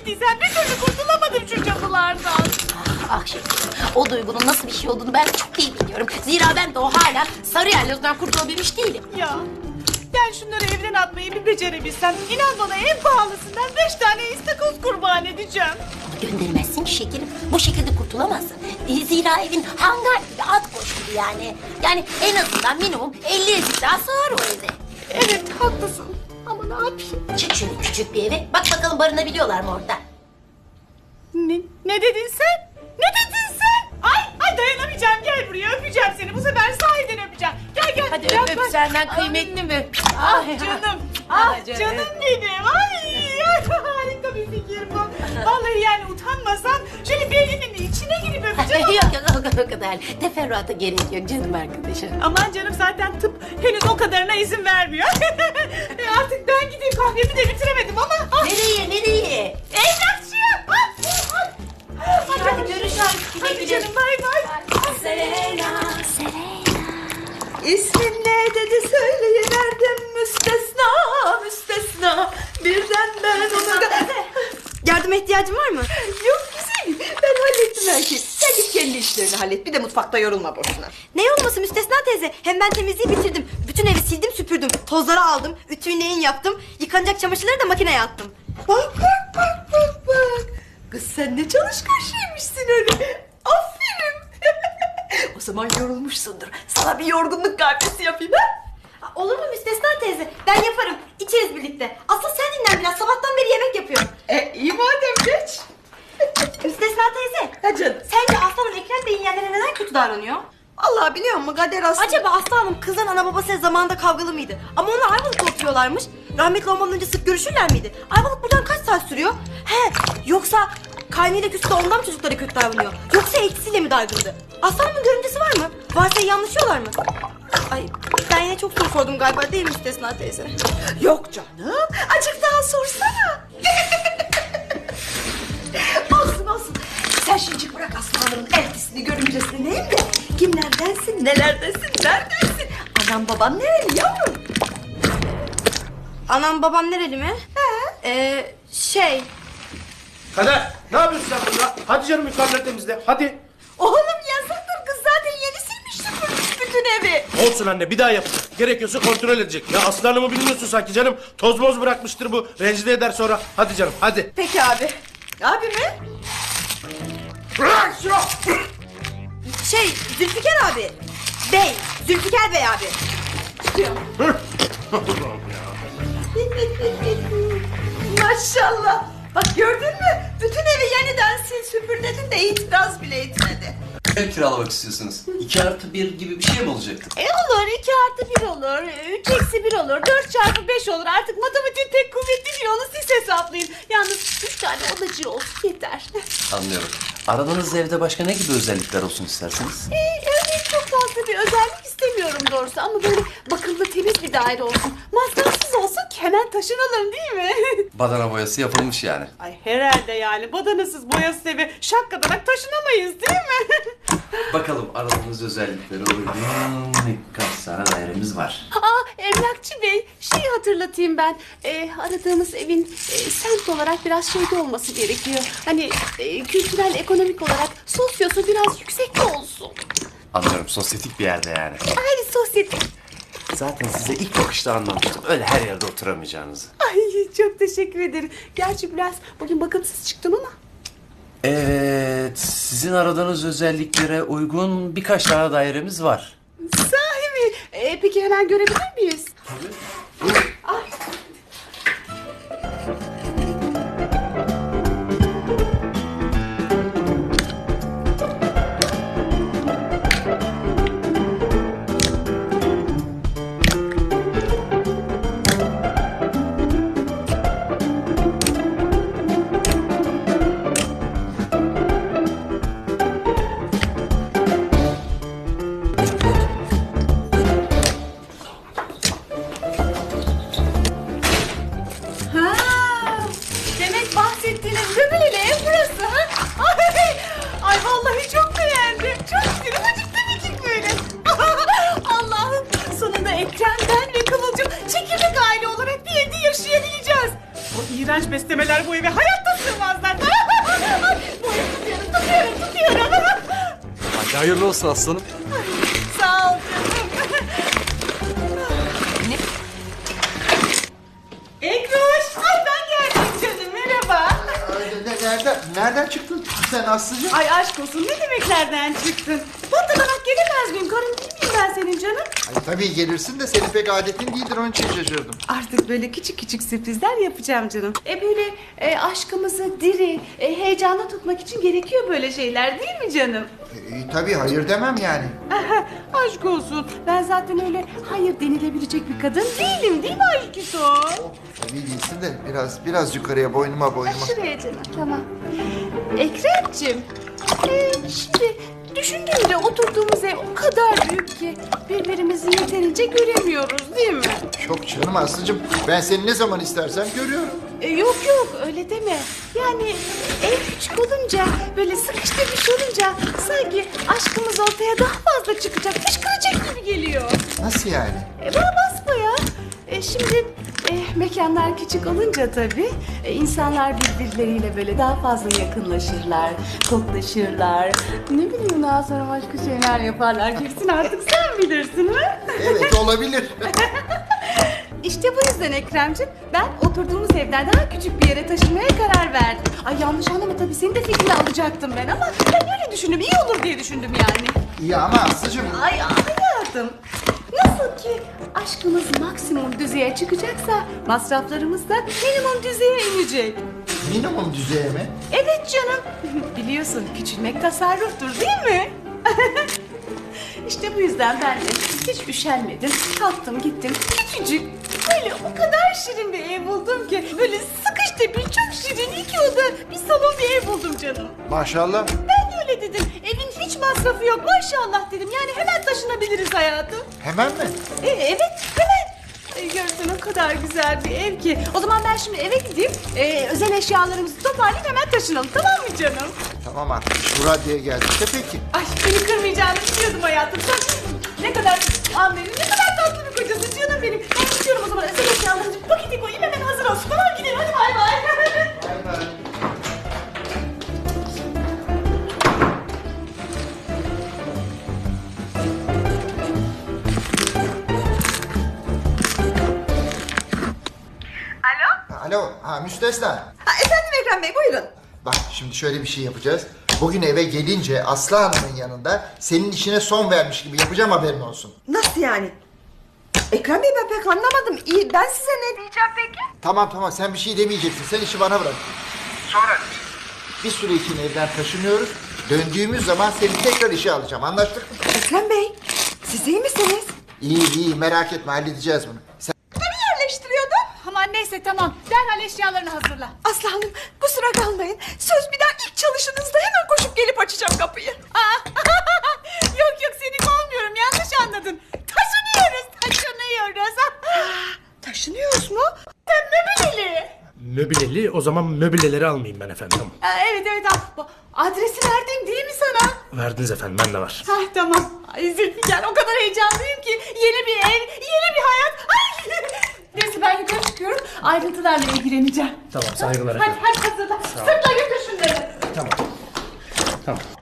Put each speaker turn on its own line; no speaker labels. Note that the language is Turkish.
ettiysen bir türlü kurtulamadım şu cadılardan.
Ah şekerim, o duygunun nasıl bir şey olduğunu ben çok iyi biliyorum. Zira ben de o hala sarı yerlozdan kurtulabilmiş değilim.
Ya ben şunları evden atmayı bir becerebilsem inan bana en pahalısından 5 tane istakoz kurban edeceğim.
Gönderemezsin ki şekerim. Bu şekilde kurtulamazsın. Zira evin hangar gibi, at koş gibi yani. Yani en azından minimum 50 ezik daha sığar o evde.
Evet haklısın ama ne yapayım?
Çık şöyle küçük bir eve. Bak bakalım barınabiliyorlar mı orada?
Ne dedin sen? Ne dedin sen? Ay dayanamayacağım, gel buraya, öpeceğim seni. Bu sefer sahiden öpeceğim. Gel.
Hadi öp senden kıymetli mi?
Ah canım. Ah canım benim. Ay harika bir fikir bu. Vallahi yani utanmasam şöyle bir elinin içine girip öpeceğim.
yok o kadar. Teferruata gerek yok canım arkadaşım.
Aman canım zaten tıp henüz o kadarına izin vermiyor. Artık ben gideyim, kahvemi de bitiremedim ama. Ah,
Nereye?
evlatçı.
Hadi görüşürüz.
Hadi canım, bay bay.
Serena.
İsmin ne dedi söyleyiverdim müstesna. Birden ben ona...
Yardıma ihtiyacın var mı?
Yok güzelim, ben hallettim her şeyi. Sen git kendi işlerini hallet, bir de mutfakta yorulma boşuna.
Ne olması Müstesna teyze? Hem ben temizliği bitirdim. Bütün evi sildim süpürdüm. Tozları aldım. Ütüyü neyin yaptım. Yıkanacak çamaşırları da makineye attım.
Bak. Kız sen ne çalışkan şeymişsin öyle. Aferin. O zaman yorulmuşsundur. Sana bir yorgunluk kahvesi yapayım ha?
Olur mu Müstesna teyze? Ben yaparım. İçeriz birlikte. Asıl sen dinlen biraz. Sabahtan beri yemek yapıyorum.
İyi madem geç.
Müstesna teyze.
Ha canım.
Sence Aslanım Ekrem Bey'in yerlerine neden kötü davranıyor?
Allah biliyor musun kader aslında.
Acaba Aslanım kızın ana babasıyla zamanında kavgalı mıydı? Ama onlar Ayvalık'ta oturuyorlarmış. Rahmetli olmadan önce sık görüşürler miydi? Ayvalık buradan kaç saat sürüyor? Yoksa kaynıyla küstü ondan mı çocuklara kötü davranıyor? Yoksa eltisiyle mi dargındı? Aslanımın görümcesi var mı? Varsa yanlışıyorlar mı? Ay ben yine çok soru sordum galiba değil mi Müstesna teyze?
Yok canım. Azıcık daha sorsana. olsun. Sen şimdi bırak Aslan'ın eltisini görümcesini neyim de. Kimlerdensin, nelerdesin, neredesin? Anam baban nereli yavrum?
Anam babam nereli mi?
Kader, ne yapıyorsun sen burada? Hadi canım yukarıları temizle, hadi.
Oğlum yasaktır, kız zaten yeni silmiş süpürmüş bütün evi.
Olsun anne, bir daha yap. Gerekiyorsa kontrol edecek. Ya aslanımı bilmiyorsun sanki canım. Toz moz bırakmıştır bu. Rencide eder sonra. Hadi canım, hadi.
Peki abi. Abi mi?
Bırak şunu!
Zülfikar abi. Zülfikar Bey abi.
Maşallah. Bak gördün mü? Bütün evi yeniden sil süpür dedin de itiraz bile etmedi.
Ev kiralamak istiyorsunuz. 2+1 gibi bir şey mi olacak?
Olur, 2+1 olur, 3-1 olur, 4×5 olur. Artık matematiğin tek kuvvetli değil, onu siz hesaplayın. Yalnız 3 tane odacı olsun yeter.
Anlıyorum. Aradığınız evde başka ne gibi özellikler olsun isterseniz?
Örneğin çok fazla bir özellik istemiyorum doğrusu ama böyle bakımlı temiz bir daire olsun. Masrafsız olsun ki hemen taşınalım değil mi?
Badana boyası yapılmış yani.
Ay herhalde yani badanasız boyasız eve şakkadanak taşınamayız değil mi?
Bakalım aradığınız özelliklere uygun kaç tane dairemiz var.
Emlakçı Bey şeyi hatırlatayım ben. Aradığımız evin semt olarak biraz şeyde olması gerekiyor. Hani kültürel ekonomik olarak sosyosu biraz yüksekte olsun.
Anlıyorum, sosyetik bir yerde yani.
Ay sosyetik.
Zaten size ilk bakışta anlamıştım. Öyle her yerde oturamayacağınızı.
Ay çok teşekkür ederim. Gerçi biraz bugün bakımsız çıktım ama.
Evet, sizin aradığınız özelliklere uygun birkaç tane dairemiz var.
Sahi mi? Peki hemen görebilir miyiz? Demek bahsettiğiniz göbeleli ev burası ha? Ay vallahi çok beğendim. Çok kırmacık demecik böyle. Allah'ım sonunda Ekrem, ben ve Kıvılcım çekirdek aile olarak bir evde yaşayabileceğiz. O iğrenç yanlış beslemeler bu eve hayatta sığmazlar. Bu evi tutuyorum.
Hadi hayırlı olsun aslanım.
Sağ ol canım. Ekroş, ay ben geldim canım, merhaba.
Nereden çıktın sen Aslı'cığım?
Ay aşk olsun, ne demek nereden çıktın? Patlanarak gelemez miyim? Karın değil miyim ben senin canım?
Ay, tabii gelirsin de senin pek adetin değildir, onun için şaşırdım.
Artık böyle küçük küçük sürprizler yapacağım canım. Böyle aşkımızı diri, heyecanlı tutmak için gerekiyor böyle şeyler değil mi canım?
Tabii hayır demem yani.
Aşk olsun. Ben zaten öyle hayır denilebilecek bir kadın değilim değil mi aşkıso?
Tabii değilsin de biraz yukarıya boynuma.
Şuraya canım, tamam. Ekrem'cim, şimdi düşündüğümde oturduğumuz ev o kadar büyük ki birbirimizi yeterince göremiyoruz değil mi?
Çok canım Aslı'cığım, ben seni ne zaman istersem görüyorum.
Yok öyle deme. Yani ev küçük olunca böyle sıkıştırmış olunca sanki aşkımız ortaya daha fazla çıkacak, fışkıracak gibi geliyor.
Nasıl yani?
Bana basma ya. Şimdi mekanlar küçük olunca tabii insanlar birbirleriyle böyle daha fazla yakınlaşırlar, koklaşırlar. Ne bileyim daha sonra başka şeyler yaparlar. Kesin artık sen bilirsin ha?
Evet olabilir.
İşte bu yüzden Ekrem'ciğim ben oturduğumuz evden daha küçük bir yere taşınmaya karar verdim. Ay yanlış anlama tabii senin de fikrini alacaktım ben ama ben öyle düşündüm iyi olur diye düşündüm yani.
İyi ama Aslı'cığım.
Ay hayatım nasıl ki aşkımız maksimum düzeye çıkacaksa masraflarımız da minimum düzeye inecek.
Minimum düzeye mi?
Evet canım biliyorsun küçülmek tasarruftur değil mi? İşte bu yüzden ben de hiç üşenmedim. Kalktım gittim küçücük böyle o kadar şirin bir ev buldum ki böyle sıkış tepiş çok şirin 2 oda bir salon bir ev buldum canım.
Maşallah.
Ben de öyle dedim. Evin hiç masrafı yok maşallah dedim. Yani hemen taşınabiliriz hayatım.
Hemen mi?
Evet hemen. Görsen o kadar güzel bir ev ki. O zaman ben şimdi eve gideyim. Özel eşyalarımızı toparlayıp hemen taşınalım tamam mı canım?
Tamam artık şu raddeye geldik de peki.
Ay seni kırmayacağını biliyordum hayatım. Sen ne kadar anlayın, ne kadar tatlı bir kocası canım benim. Ben gidiyorum o zaman özel eşyalarımızı paketi koyayım hemen hazır olsun. Tamam gidelim hadi bay bay.
Bay bay. Alo, Müstesna.
Efendim Ekrem Bey buyurun.
Bak şimdi şöyle bir şey yapacağız. Bugün eve gelince Aslı Hanım'ın yanında senin işine son vermiş gibi yapacağım, haberin olsun.
Nasıl yani? Ekrem Bey ben pek anlamadım. İyi ben size ne diyeceğim peki?
Tamam sen bir şey demeyeceksin. Sen işi bana bırak. Sonra bir süre için evden taşınıyoruz. Döndüğümüz zaman seni tekrar işe alacağım. Anlaştık mı?
Ekrem Bey siz iyi misiniz?
İyi merak etme, halledeceğiz bunu. Sen...
Yerleştiriyordum.
Aman neyse tamam. Derhal eşyalarını hazırla.
Aslı Hanım kusura kalmayın. Söz bir daha ilk çalışınızda hemen koşup gelip açacağım kapıyı.
Yok seni kovmuyorum yanlış anladın. Taşınıyoruz.
Taşınıyoruz mu?
Sen möbileli.
Möbileli, o zaman möbileleri almayayım ben efendim.
Evet al. Adresi verdim değil mi sana?
Verdiniz efendim, bende var.
Tamam. Ay Zülfikar o kadar heyecanlıyım ki. Yeni bir ev, yeni bir hayat. Ay. Neyse ben yukarı çıkıyorum. Ayrıntılarla ilgileneceğim.
Tamam, saygılar
Hadi
efendim.
hazırla. Sırtla götür şunları.
Tamam.